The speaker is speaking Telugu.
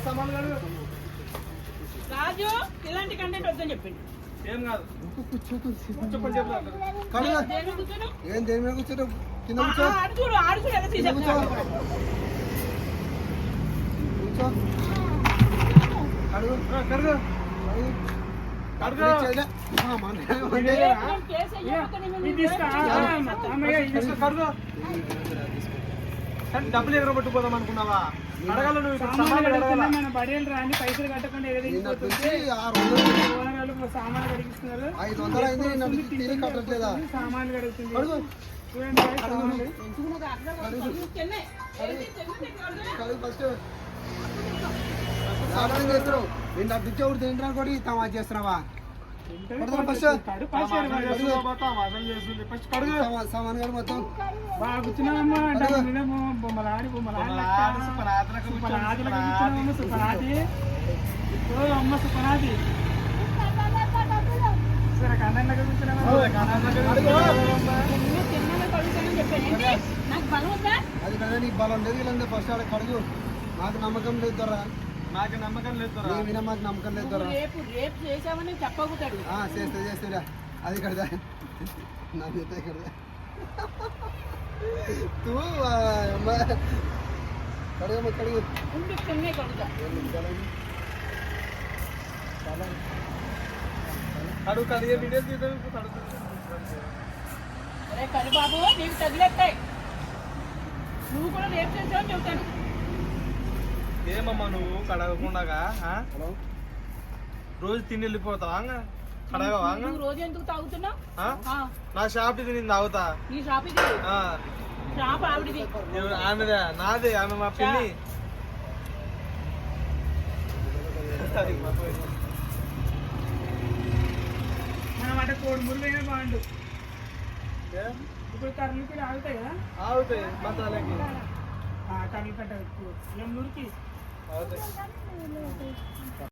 రాజు ఇలాంటి కంటెంట్ వద్దని చెప్పింది. ఏం కాదు ఏం దేని మీద కూర్చోరు కింద కూర్చో కూర్చో కడుగు కడుగు డబ్బులు ఎగరబట్టుకుపోదాం అనుకున్నావా? అడగాల మన బడియలు రాని పైసలు కట్టకుండా సామాన్లు కడిగిస్తున్నారు. 500 అయింది కట్టట్లేదా? సామాన్లు కడుగుతుంది. చేస్తున్నావు నేను డబ్బు ఇచ్చేవాడు తింటున్నా కూడా తమాషా చేస్తున్నావా? సామాన్ గారు మొత్తం బాగా కూర్చున్నావమ్మా. బొమ్మలాడి బొమ్మలాడి సుపనాది అమ్మ సుపనాది సరే కన్నెండగా కూర్చున్నావా? అది కదా నీకు బలం లేదు. వీళ్ళంతా ఫస్ట్ ఆడ కడుగు. నాకు నమ్మకం లేదు దొరా. నాకు నమ్మకం లేదు వినా మాకు నమ్మకం లేదు దొరా. చేస్తా అది కడదా నా చేత కడదా కడుగు కడుగు అడుగు కడిగే వీడియో తీద్దాం. బాబు నీకు తగిలేస్తాయి. నువ్వు కూడా రేపు చేసావని చెబుతాను. ఏమమ్మా నువ్వు కడగకుండా రోజు తిని వెళ్ళిపోతావా? కడగవా? రోజు ఎందుకు తాగుతున్నావు? నా షాప్ ఇది నేను తాగుతా. నీ షాప్ ఇది? షాప్ ఆవిడది. ఆమెదా? నాదే. ఆమె మా పిన్ని. మనం అంటే కోడి మురుగైనా బాగుండు. ఇప్పుడు కర్రలకి ఆగుతాయి కదా? ఆగుతాయి మసాలాకి. కర్రలు కట్ట మురికి అవుతాయి.